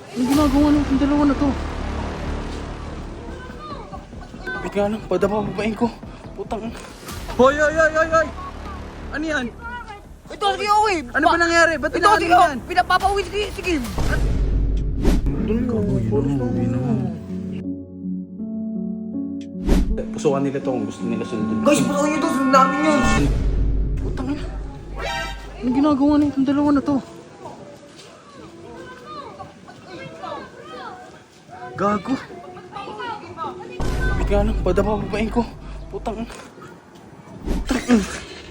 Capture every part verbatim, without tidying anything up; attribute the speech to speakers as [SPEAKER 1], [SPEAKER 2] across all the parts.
[SPEAKER 1] Anong ginagawa ng dalawa na to? Wait nga lang, padapa babain ko. Putang. Hoy, hoy, hoy, hoy, hoy! Ano yan?
[SPEAKER 2] Ito si Owe!
[SPEAKER 1] Ano ba nangyari? Ba't
[SPEAKER 2] Ito
[SPEAKER 1] tinakot
[SPEAKER 2] si
[SPEAKER 1] mo
[SPEAKER 2] Owe!
[SPEAKER 1] yan?
[SPEAKER 2] Pinapapauwi si si Kim!
[SPEAKER 1] Pusukan nila to kung gusto nila sundin.
[SPEAKER 2] Guys, puso nyo to! Sunod namin yun!
[SPEAKER 1] Putang ina. Anong ginagawa ng itong dalawa na to? Gago. Wait nga lang, padapa babain ko. Putang. Putang ina.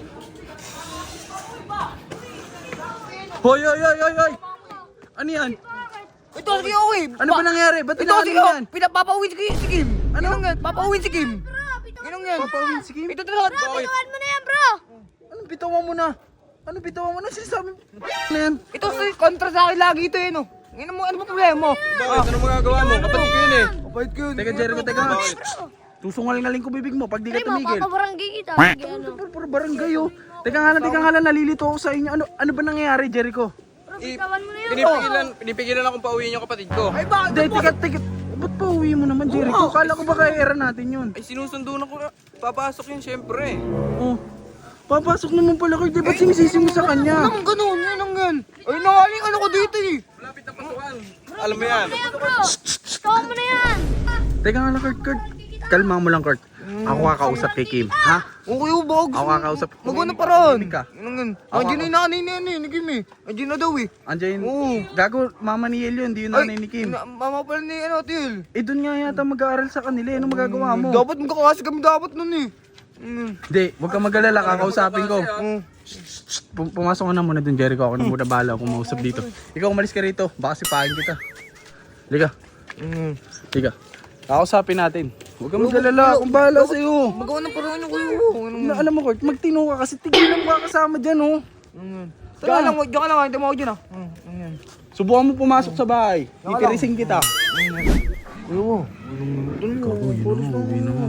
[SPEAKER 1] Hoy, hoy, hoy, hoy, hoy! Ano yan?
[SPEAKER 2] Ito si Owe!
[SPEAKER 1] Ano ba nangyari? Ba't
[SPEAKER 2] Ito
[SPEAKER 1] tinakot
[SPEAKER 2] si
[SPEAKER 1] mo
[SPEAKER 2] Owe!
[SPEAKER 1] yan?
[SPEAKER 2] Pinapapauwi si si Kim!
[SPEAKER 1] Ano?
[SPEAKER 2] Ginong yan! Papauwi si Kim! Ginong yan!
[SPEAKER 1] Papawin si Kim?
[SPEAKER 2] Ito talaga!
[SPEAKER 3] Bitawan mo na yan, bro!
[SPEAKER 1] Anong bitawan mo na? Anong bitawan mo na? Sinasabi mo? Ano yan?
[SPEAKER 2] Ito si kontra sa akin lagi ito eh no! Ano mo, ano mo problema mo?
[SPEAKER 4] Bakit? Ano magagawa mo? Kapatid ko yun eh.
[SPEAKER 2] Kapait ko yun!
[SPEAKER 1] Teka, Jericho, teka. Susungaling-aling ko bibig mo pag di ka
[SPEAKER 3] Pre,
[SPEAKER 1] tumigil.
[SPEAKER 3] mapapabarangay kita. Sige, ano.
[SPEAKER 1] Puro puro barangay oh. Teka nga lang, teka nga lang, nalilito ako sa inyo. Ano ano ba nangyayari, Jericho?
[SPEAKER 3] Bro, bitawan mo na yan.
[SPEAKER 4] Pinipigilan, pinipigilan akong pauwiin yung kapatid ko.
[SPEAKER 2] Ay bakit?
[SPEAKER 1] Hindi, teka, teka. Ba't pa uwi mo naman, Jericho? Kala ko ba kaya era natin yun?
[SPEAKER 4] Ay sinusundo na ko. Papasok yun syempre.
[SPEAKER 1] Oh. Papasok naman pala kayo, di ba't sinisisi mo sa kanya?
[SPEAKER 2] Anong ganun? Anong gan? Ay nangaling ano ko dito eh!
[SPEAKER 4] Malapit na pasukan. Alam mo yan.
[SPEAKER 3] Ayan, bro. Bitawan mo na yan.
[SPEAKER 1] Teka nga lang, Kurt, Kurt. Kalma mo lang, Kurt. Ako kakausap kay Kim, ha?
[SPEAKER 2] Okay oh, baka gusto
[SPEAKER 1] Ako
[SPEAKER 2] mo-
[SPEAKER 1] kakausap.
[SPEAKER 2] Magawa na paraan.
[SPEAKER 1] Tumimik ka.
[SPEAKER 2] Anong gan?
[SPEAKER 1] Ako-
[SPEAKER 2] Andiyan na yung nanay na yan eh, ni Kim eh. Andiyan na daw eh.
[SPEAKER 1] Andiyan,
[SPEAKER 2] Oo.
[SPEAKER 1] gago, mama ni Yel yun, di yun nanay ni Kim.
[SPEAKER 2] na- mama pala ni ano, Til.
[SPEAKER 1] Eh, doon nga yata mag-aaral sa kanila, eh. Ano magagawa mo?
[SPEAKER 2] Dapat magkakasi kami dapat nun eh. Mm.
[SPEAKER 1] Hindi, huwag kang mag-alala, kakausapin ko.
[SPEAKER 2] Mm.
[SPEAKER 1] Pum- pumasok ka na muna dun, Jericho. Ako na muna bahala kung mausap dito. Ikaw umalis ka rito, baka sipahin kita. Liga,
[SPEAKER 2] Mm.
[SPEAKER 1] liga. Kakausapin natin. Huwag kang mag-alala, akong bahala sa'yo.
[SPEAKER 2] Magawa na paraan yung kuya. Anong
[SPEAKER 1] Na, alam mo, Kurt, magtino ka kasi tigilan mo ka kasama dyan, oh.
[SPEAKER 2] Mm. Tara lang, diyan ka lang, hindi mo ako dyan ah. Mm. Mm.
[SPEAKER 1] Subukan mo pumasok sa bahay. Titirising kita.
[SPEAKER 2] Kuya,
[SPEAKER 1] Gago, yun na, uwi na.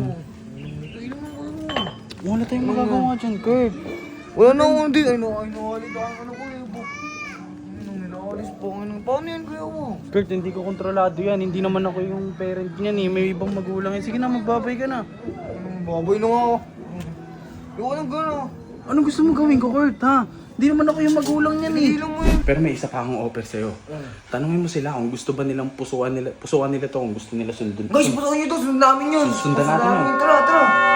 [SPEAKER 1] Wala tayong magagawa dyan, Kurt.
[SPEAKER 2] wala na akong hindi. Ay, no, ay, nakalit ako. Ano ko eh, bu. Ano, nakalis po. Ano, paano yan, kuya mo?
[SPEAKER 1] Kurt, hindi ko kontrolado yan. Hindi naman ako yung parent niyan eh. May ibang magulang yan. Sige na, magbabay ka na.
[SPEAKER 2] Ano, babay na nga ako. Yung walang gano'n.
[SPEAKER 1] Anong gusto mo gawin ko, Kurt, ha? Hindi naman ako yung magulang niyan eh.
[SPEAKER 2] Hindi lang mo yun.
[SPEAKER 1] Pero may isa pa akong offer sa'yo. Tanungin mo sila kung gusto ba nilang pusuan nila, pusuan nila to, kung gusto nila sundin.
[SPEAKER 2] Guys, puso nyo to. Sunod namin yun.
[SPEAKER 1] Sundan natin yun.
[SPEAKER 2] Tara, tara.